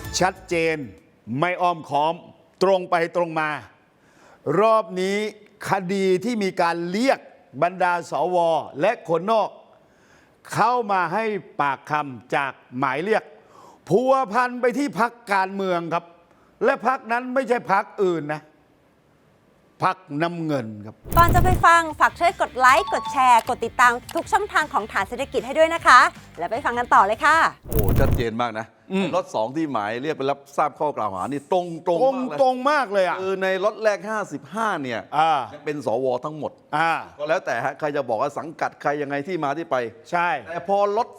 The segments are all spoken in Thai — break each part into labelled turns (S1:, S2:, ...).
S1: ชัดเจนไม่อ้อมค้อมตรงไปตรงมา รอบนี้คดีที่มีการเรียกบรรดาสวและคนนอก เข้ามาให้ปากคำจากหมายเรียกพัวพันไปที่พรรคการเมืองครับ และพรรคนั้นไม่ใช่พรรคอื่นนะพรรคน้ำเงินครับ
S2: ก่อนจะไปฟังฝากช่วยกดไลค์กดแชร์กดติดตามทุกช่องทางของฐานเศรษฐกิจให้ด้วยนะคะ แล้วไปฟังกันต่อเลยค่ะ
S3: โอ้ชัดเจนมากนะรถ2ที่หมายเรียกไปรับทราบข้อกล่าวหานี่ตรงมากเลย
S1: ตรงมากเลยอ่ะ
S3: คือในรถแรก55เนี่ยยังเป็นสวทั้งหมดก็แล้วแต่ฮะใครจะบอกว่าสังกัดใครยังไงที่มาที่ไป
S1: ใช่
S3: แต่พอรถ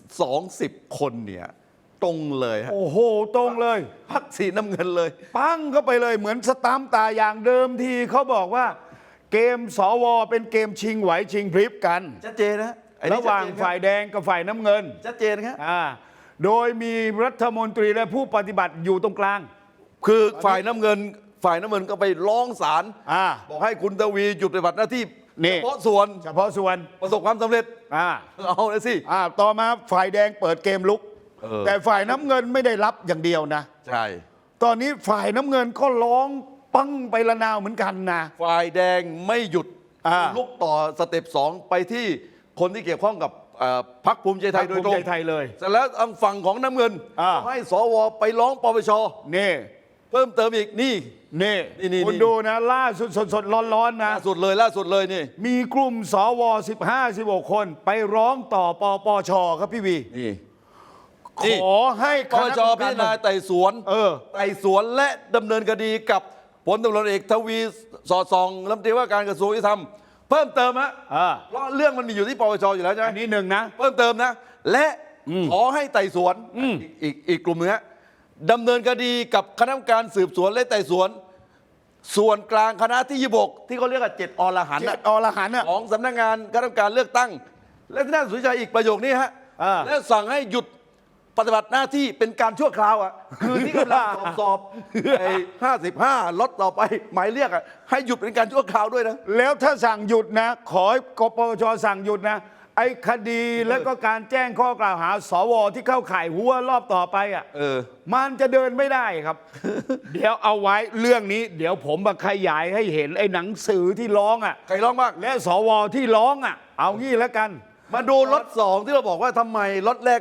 S3: 20คนเนี่ยตรงเลยฮะ
S1: โอ้โหตรงเลย
S3: พรรคสีน้ำเงินเลย
S1: ปั้งเข้าไปเลยเหมือนสตามป์ตาอย่างเดิมทีเขาบอกว่าเกมสวเป็นเกมชิงไหวชิงพริบกัน
S3: ชัดเจนนะไอ้นี่
S1: ระหว่างฝ่ายแดงกับฝ่ายน้ำเงิน
S3: ชัดเจนครับ
S1: โดยมีรัฐมนตรีและผู้ปฏิบัติอยู่ตรงกลาง
S3: คือฝ่ายน้ำเงินก็ไปร้องศาล บอกให้คุณทวีหยุดปฏิบัติหน้าที่
S1: นี่
S3: เฉพาะส่วน ประสบความสำเร็จเอาเลยสิ
S1: ต่อมาฝ่ายแดงเปิดเกมลุก แต่ฝ่ายน้ำเงินไม่ได้รับอย่างเดียวนะ
S3: ใช่
S1: ตอนนี้ฝ่ายน้ำเงินก็ร้องปั้งไปละนาวเหมือนกันนะ
S3: ฝ่ายแดงไม่หยุด ลุกต่อสเต็ป2ไปที่คนที่เกี่ยวข้องกับพรรคภูมิใจไทยโดยตรง
S1: ภูมิใจไทยเลย
S3: เสร็จแล้วทางฝั่งของน้ำเงินให้สวไปร้องปปช
S1: นี่
S3: เพิ่มเติมอีกนี่
S1: คุณดูนะล่าสุดสดร้อนๆนะ
S3: ล่าสุดเลยนี่
S1: มีกลุ่มสว15-16 คนไปร้องต่อปปชครับพี่วี
S3: นี่
S1: ขอให้
S3: ปปชพิจารณาไต่สวนและดำเนินคดีกับพลตำรวจเอกทวีสอดส่องรัฐมนตรีว่าการกระทรวงยุติธรรมเพิ่มเติมฮะเพราะเรื่องมันมีอยู่ที่ปปชอยู่แล้วใช่ไหม
S1: อันนี้หนึ่งนะ
S3: เพิ่มเติมนะ และขอให้ไต่สวนอีกกลุ่มนึงฮะดำเนินคดีกับคณะกรรมการสืบสวนและไต่สวน ส่วนกลางคณะที่26ที่เขาเรียกว่า7 อรหันต์
S1: อรหันต์
S3: ของสำนักงานคณะกรรมการเลือกตั้ง และที่น่าสนใจอีกประโยคนี้ฮะและสั่งให้หยุดปฏิบัติหน้าที่เป็นการชั่วคราวอ่ะคือที่กำลังสอบไอ้55ล็อตต่อไปหมายเรียกอ่ะให้หยุดเป็นการชั่วคราวด้วยนะ
S1: แล้วถ้าสั่งหยุดนะ ขอให้กปปชสั่งหยุดนะ ไอ้คดีแล้วก็การแจ้งข้อกล่าวหาสวที่เข้าข่ายหัวรอบต่อไปอ่ะมันจะเดินไม่ได้ครับ เดี๋ยวเอาไว้เรื่องนี้ เดี๋ยวผมมาขยายให้เห็นไอ้หนังสือที่ร้องอ่ะ
S3: ใครร้องบ้าง
S1: และสวที่ร้องอ่ะ เอางี้แล้วกัน
S3: มาดูล็อต2ที่เราบอกว่าทำไมล็อตแรก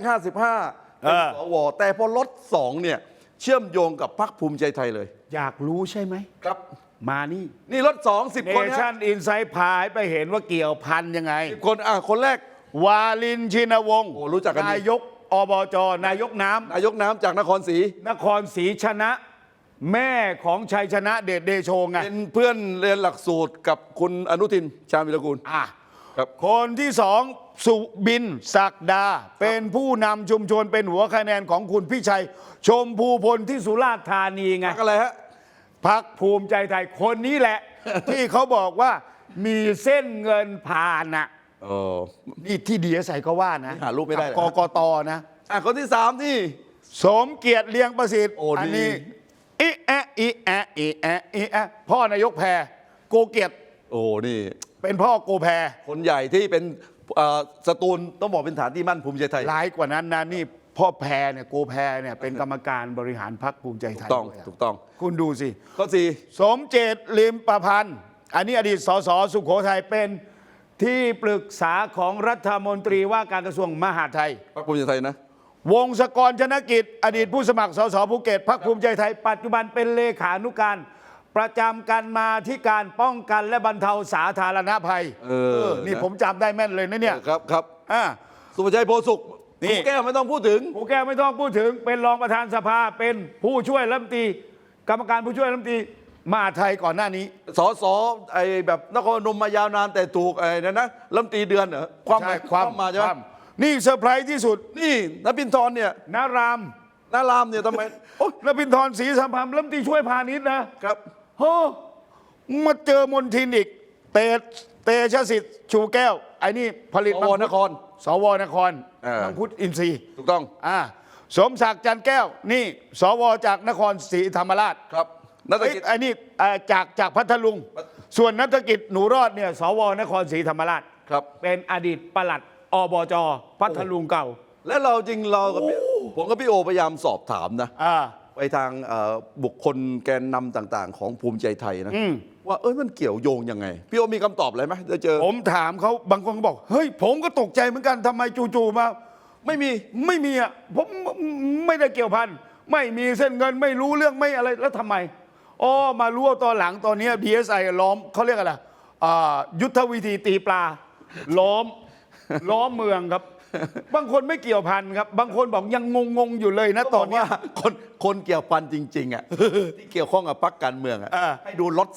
S3: 55เป็นสวแต่พอล็อต2เนี่ยเชื่อมโยงกับพรรคภูมิใจไทยเลย
S1: อยากรู้ใช่ไหม
S3: ครับ
S1: มานี่
S3: นี่ล็อต2 10 คน
S1: เนชั่นอินไซด์พายไปเห็นว่าเกี่ยวพันยังไง
S3: 10 คนคนแรก
S1: วาลินชินวงศ์
S3: โอ้รู้จักกันดี
S1: นายกอบจนายกน้ำ
S3: นายกน้ำจากนครศรี
S1: นครศรีชนะ แม่ของชัยชนะเดชเดโชไง
S3: เป็นเพื่อนเรียนหลักสูตรกับคุณอนุทินชาญวิรากูลครับ
S1: คนที่สองสุบินศักดา เป็นผู้นำชุมชนเป็นหัวคะแนนของคุณพี่ชัย ชมพูพลที่สุราษฎร์ธานีไง
S3: พรรคอะไรฮะ
S1: พรรคภูมิใจไทยคนนี้แหละ ที่เขาบอกว่ามีเส้นเงินผ่านน่ะนี่ที่ดีใส่ก็ว่านะ
S3: หารูปไม่ได้
S1: กกตนะ
S3: คนที่3นี่
S1: สมเกียรติเลียงประสิทธิ์
S3: อั
S1: นี้อีแอะอีแอะอีแอะอีแอะพ่อนายกแพรโกเกียรติ
S3: นี่
S1: เป็นพ่อโกแพร
S3: คนใหญ่ที่เป็นสตูลต้องบอกเป็นฐานที่มั่นภูมิใจไทย
S1: ร้ายกว่านั้นนะนี่พ่อแพรเนี่ยโกแพรเนี่ยเป็นกรรมการบริหารพรรคภูมิใจไทยด้วย
S3: ถูกต้อง
S1: คุณดูสิ
S3: ข้อ4
S1: สมเจตลิมประพันธ์อันนี้อดีตสสสุโขทัยเป็นที่ปรึกษาของรัฐมนตรีว่าการกระทรวงมหาดไทย
S3: พรรคภูมิใจไทยนะ
S1: วงศกรชนกิจ อดีตผู้สมัครสสภูเก็ตพรรคภูมิใจไทย ปัจจุบันเป็นเลขานุการ ประจำการมาที่การป้องกันและบรรเทาสาธารณภัยนี่ผมจำได้แม่นเลยนะเนี่ย
S3: ครับสุภชัยโพสุขนี่แก้วไม่ต้องพูดถึง
S1: ผู้แก้วไม่ต้องพูดถึงเป็นรองประธานสภาเป็นผู้ช่วยรัฐมนตรีกรรมการผู้ช่วยรัฐมนตรีมหาดไทยก่อนหน้านี้
S3: สสไอ้แบบนครพนมมายาวนานแต่ถูกไอ้นั่นนะรัฐมนตรีเดือนเหรอความมาใช่ไหม
S1: นี่เซอร์ไพรส์ที่สุด
S3: นี่นปินทรเนี่ย
S1: นาราม
S3: เนี่ยทำไม
S1: นปินทรศรีสัมพันธ์รัฐมนตรีช่วยพาณิชย์นะครับโอ้มาเจอมนทินอีกเตชะสิทธิ์ชูแก้วไอ้นี่ผลิต
S3: สวนคร
S1: สวนครมังคุดอินทรีย์
S3: ถูกต้อง
S1: สมศักดิ์จันแก้วนี่สวจากนครศรีธรรมราช
S3: ครับนัฐกิจ
S1: ไอ้นี่จากพัทลุงส่วนนัฐกิจหนูรอดเนี่ยสวนครศรีธรรมราช
S3: ครับ
S1: เป็นอดีตปลัดอบจพัทลุงเก่า
S3: และเราจริงเรากับผมกับพี่โอพยายามสอบถามนะไปทางบุคคลแกนนำต่างๆ ของภูมิใจไทยนะว่ามันเกี่ยวโยงยังไง พี่โอมีคำตอบอะไรไหมจะเจอ
S1: ผมถามเขาบางคนก็บอกเฮ้ยผมก็ตกใจเหมือนกันทำไมจู่ๆมา
S3: ไม่มี
S1: อ่ะผมไม่ได้เกี่ยวพันไม่มีเส้นเงินไม่รู้เรื่องไม่อะไรแล้วทำไมอ๋อมารู้ว่าตอนหลังตอนนี้ DSI ล้อมเขาเรียกอะไรยุทธวิธีตีปลาล้อมเมืองครับ บางคนไม่เกี่ยวพันครับ บางคนบอกยังงงอยู่เลยนะตอนเนี้ย
S3: คนเกี่ยวพันจริงๆอ่ะ ที่เกี่ยวข้องกับพรรคการเมืองอ่ะให้ดูล็อต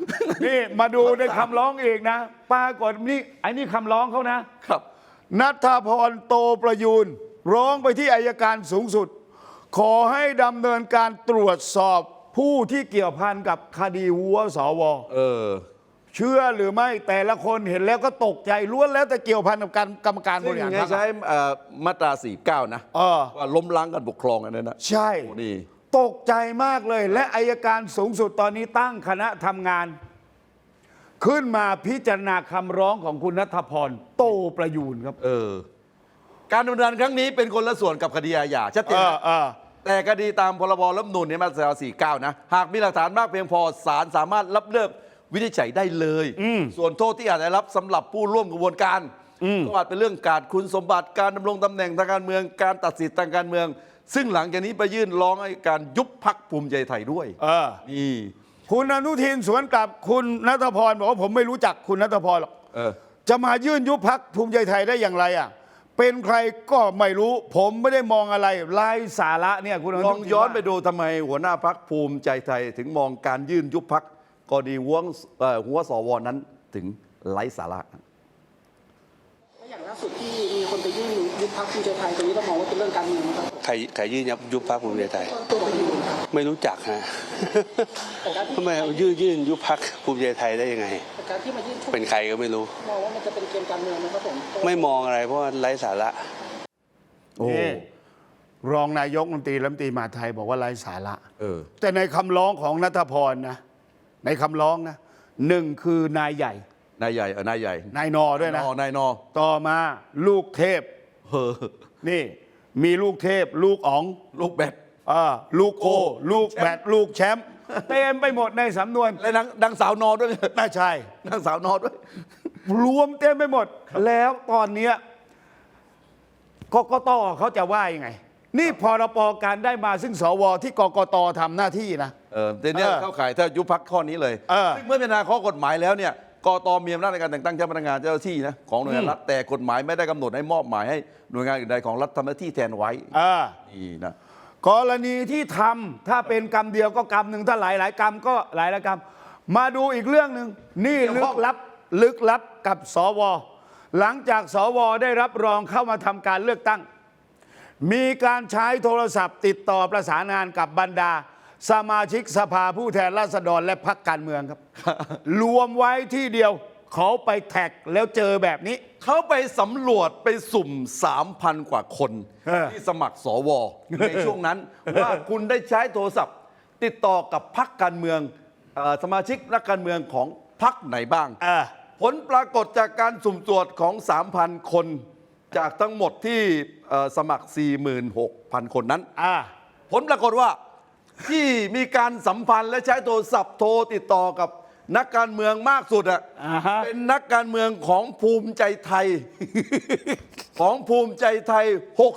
S3: 3
S1: นี่มาดูในคำร้องเองนะปรากฏนี่ไอ้นี่คำร้องเขานะครับ ณัฐพร โตประยูนร้องไปที่อัยการสูงสุด ขอให้ดำเนินการตรวจสอบผู้ที่เกี่ยวพันกับคดีหัวสวเชื่อหรือไม่แต่ละคนเห็นแล้วก็ตกใจล้วนแล้วแต่เกี่ยวพันกับการกรรมการบ
S3: ซึ่ง
S1: ริหาร
S3: ไง
S1: พรรค
S3: ใช้มาตรา 49 นะว่าล้มล้างการปกครองอันนั้นนะ
S1: ใช่
S3: โอ้นี่
S1: ตกใจมากเลย และอัยการสูงสุดตอนนี้ตั้งคณะทำงาน ขึ้นมาพิจารณาคำร้องของคุณณัฐพร โตประยูนครับ
S3: การดำเนินครั้งนี้เป็นคนละส่วนกับคดีอาญาชัดเจนนะแต่คดีตามพรบรัฐธรรมนูญเนี่ยมาตรา 49 นะ หากมีหลักฐานมากเพียงพอศาลสามารถรับเลือกวินิจฉัยได้เลย ส่วนโทษที่อาจจะรับสำหรับผู้ร่วมกระบวนการก็อาจเป็นเรื่องการคุณสมบัติการดำรงตำแหน่งทางการเมืองการตัดสิทธิทางการเมือง ซึ่งหลังจากนี้ไปยื่นร้องให้การยุบพรรคภูมิใจไทยด้วยนี่
S1: คุณอนุทินสวนกลับคุณณัฐพรบอกว่าผมไม่รู้จักคุณณัฐพรหรอกจะมายื่นยุบพรรคภูมิใจไทยได้อย่างไรอ่ะเป็นใครก็ไม่รู้ผมไม่ได้มองอะไรไร้สาระเนี่ยคุณอนุทิน
S3: ลองย้อนไปดูทำไมหัวหน้าพรรคภูมิใจไทยถึงมองการยื่นยุบพรรคกรณีหัวสวนั้นถึงไร้สาระ
S4: แล้วอย่างล่าสุดที่มีคนไปยื่นยุบพรรคภูมิใจไทยตรงนี้เรามองว่าเป็นเรื่องการเมืองนะครับ
S5: ใครยื่นยุบพรรคภูมิใจไทย
S4: ตัวประยูนครับ
S5: ไม่รู้จักฮะ
S4: แต่การที่
S5: ทำไมยื่นยุบพรรคภูมิใจไทยได้ยังไง
S4: แต่การที่มายื่น
S5: เป็นใครก็ไม่รู้
S4: มองว่ามันจะเป็นเกมการเมืองนะครับผม
S5: ไม่มองอะไรเพราะว่าไร้สาระ
S1: นี่รองนายกรัฐมนตรีมหาดไทยบอกว่าไร้สาระ
S3: แต่
S1: แต่ในคำร้องของณัฐพรนะในคำร้องนะหนึ่งคือนายใหญ่
S3: นายใหญ่
S1: นายนอด้วยนะ
S3: นายนอ
S1: ต่อมาลูกเทพ นี่มีลูกเทพ ลูกอ๋อง
S3: ลูกแบด
S1: ลูกโกลูกแบดลูกแชมป์เต็มไปหมดในสำนวน
S3: และนางสาวนอด้วย
S1: น่าใช่
S3: นางสาวนอด้วย
S1: รวมเต็มไปหมด แล้วตอนเนี้ยกกตเขาจะว่ายังไง นี่พรปการได้มาซึ่งสวที่กกตทำหน้าที่นะ
S3: แต่เนี่ยเข้าข่ายถ้ายุบพักข้อนี้เลยซึ่งเมื่อพิจารณาข้อกฎหมายแล้วเนี่ยกตมีอำนาจในการแต่งตั้งเจ้าพนักงานเจ้าหน้าที่นะของหน่วยงานรัฐแต่กฎหมายไม่ได้กำหนดให้มอบหมายให้หน่วยงานอื่นใดของรัฐทำหน้าที่แทนไว้นี่นะ
S1: กรณีที่ทำถ้าเป็นกรรมเดียวก็กรรมหนึ่งถ้าหลายกรรมก็หลายกรรม มาดูอีกเรื่องหนึ่งนี่ลึกลับกับสวหลังจากสวได้รับรองเข้ามาทำการเลือกตั้ง มีการใช้โทรศัพท์ติดต่อประสานงานกับบรรดา สมาชิกสภาผู้แทนราษฎรและพรรคการเมืองครับ รวมไว้ที่เดียวเขาไปแท็กแล้วเจอแบบนี้
S3: เขาไปสำรวจไปสุ่ม 3,000 กว่าคนที่สมัครสวในช่วงนั้น ว่าคุณได้ใช้โทรศัพท์ติดต่อกับพรรคการเมืองสมาชิกนักการเมืองของพรรคไหนบ้างผลปรากฏจากการสุ่มตรวจของ 3,000 คน จากทั้งหมดที่สมัคร 46,000 คนนั้นผลปรากฏว่าที่มีการสัมพันธ์และใช้โทรศัพท์โทรติดต่อกับนักการเมืองมากสุดเป็นนักการเมืองของภูมิใจไทย ของภูมิใจไทย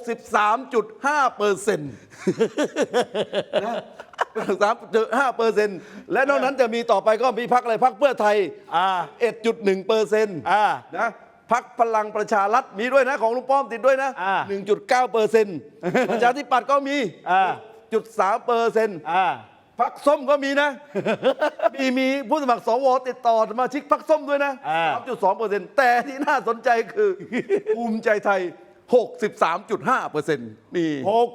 S3: 63.5%นะ 3.5% และนอกนั้นจะมีต่อไปก็มีพรรคอะไรพรรคเพื่อไทย 1.1%นะพรรคพลังประชารัฐมีด้วยนะของลุงป้อมติดด้วยนะ 1.9% ประชาธิปัตย์ก็มี 0.3%พรรคส้มก็มีนะ มีผู้สมัครสวติดต่อสมาชิกพรรคส้มด้วยนะ 3.2% แต่ที่น่าสนใจคือภูมิใจไทย 63.5% นี่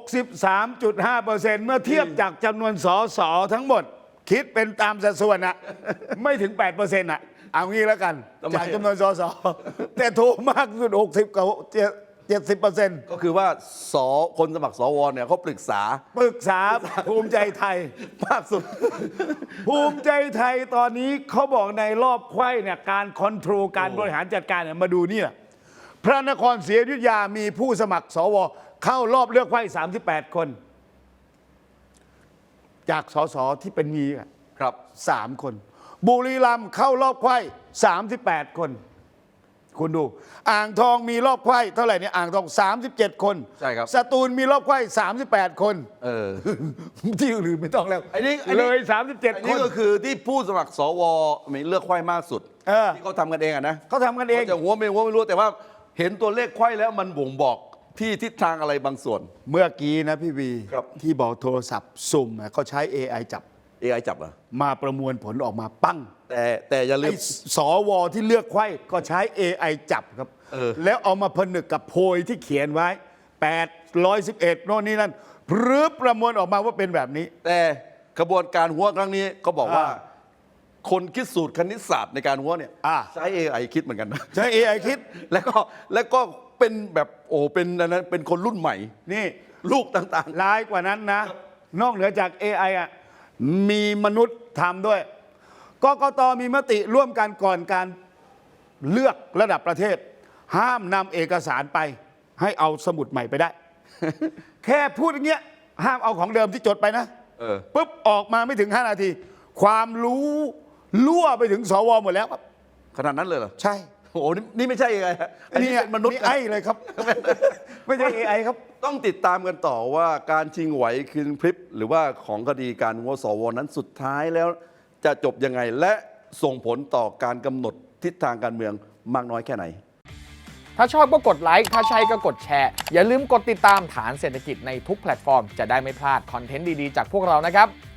S1: 63.5% เมื่อเทียบจากจำนวนสสทั้งหมด คิดเป็นตามสัดส่วนอะไม่ถึง 8%อะเอางี้แล้วกัน จากจำนวนสสแต่โทรมากสุด 60 กับ 70%
S3: ก็คือว่าคนสมัครสวเนี่ยเขาปรึกษา
S1: ภูมิใจไทย
S3: มากสุด
S1: ภูมิใจไทยตอนนี้เขาบอกในรอบไขว้เนี่ยการคอนโทรลการบริหารจัดการเนี่ยมาดูนี่แหละพระนครศรีอยุธยามีผู้สมัครสวเข้ารอบเลือกไขว้38 คนจากสสที่เป็นมีอะ
S3: ครับ
S1: 3 คน บุรีรัมย์เข้ารอบไขว้38 คน คุณดู อ่างทองมีรอบไขว้เท่าไหร่เนี่ยอ่างทอง 37 คน
S3: ใช่ครับ
S1: สตูลมีรอบไขว้38 คน
S3: เออ
S1: ที่อื่นไม่ต้องแล้ว
S3: ไอ้นี่
S1: เลย
S3: อัน
S1: 37 ค
S3: นี้
S1: น
S3: ก็คือที่ผู้สมัครสวมีเลือกไขว้มากสุด
S1: เออ
S3: ที่เขาทำกันเองอะนะ
S1: เขาทำกันเอง
S3: จะหัวไม่รู้แต่ว่าเห็นตัวเลขไขว้แล้วมันบ่งบอกที่ทิศทางอะไรบางส่วน
S1: เมื่อกี้นะพี่วี
S3: ครับ
S1: ที่บอกโทรศัพท์สุ่มอะเขาใช้ AI จับ
S3: AI จับเหรอ
S1: มาประมวลผลออกมาปั้ง
S3: แต่อย่าลื
S1: ไอ้
S3: ม
S1: สวที่เลือกไขว้ก็ใช้ AI จับครับ
S3: เออ
S1: แล้วเอามาผนึกกับโพยที่เขียนไว้811โน่นนี่นั่นพรืบประมวลออกมาว่าเป็นแบบนี้
S3: แต่กระบวนการหัวครั้งนี้เขาบอกว่า
S1: อ่า
S3: คนคิดสูตรคณิตศาสตร์ในการหัวเนี่ย
S1: อ่า
S3: ใช้ AI คิดเหมือนกันนะ
S1: ใช้ AI คิด
S3: แล้วก็เป็นแบบเป็นอันนั้นเป็นคนรุ่นใหม่
S1: นี่
S3: ลูกต่าง
S1: ร้ายกว่านั้นนะ นอกเหนือจาก AI อ่ะมีมนุษย์ทำด้วยกกตมีมติร่วมกันก่อนการเลือกระดับประเทศ ห้ามนำเอกสารไป ให้เอาสมุดใหม่ไปได้ แค่พูดอย่างเงี้ยห้ามเอาของเดิมที่จดไปนะ
S3: ๆเออ
S1: ปุ๊บออกมาไม่ถึง 5 นาที ความรู้รั่วไปถึงสวหมดแล้วครับ
S3: ขนาดนั้นเลยเหรอ
S1: ใช่
S3: โอ้โหนี่ไม่ใช่ AI ฮะอันนี้เป็นมนุษย์
S1: นี่
S3: นะ
S1: ไอ้เลยครับ ไม่ใช่ AI ครับ
S3: ต้องติดตามกันต่อว่าการชิงไหวคืนพริบหรือว่าของคดีการหัวสวนั้นสุดท้ายแล้วจะจบยังไงและส่งผลต่อการกำหนดทิศทางการเมืองมากน้อยแค่ไหน
S6: ถ้าชอบก็กดไลค์ ถ้าใช่ก็กดแชร์ อย่าลืมกดติดตามฐานเศรษฐกิจในทุกแพลตฟอร์ม จะได้ไม่พลาดคอนเทนต์ดี ๆ จากพวกเรานะครับ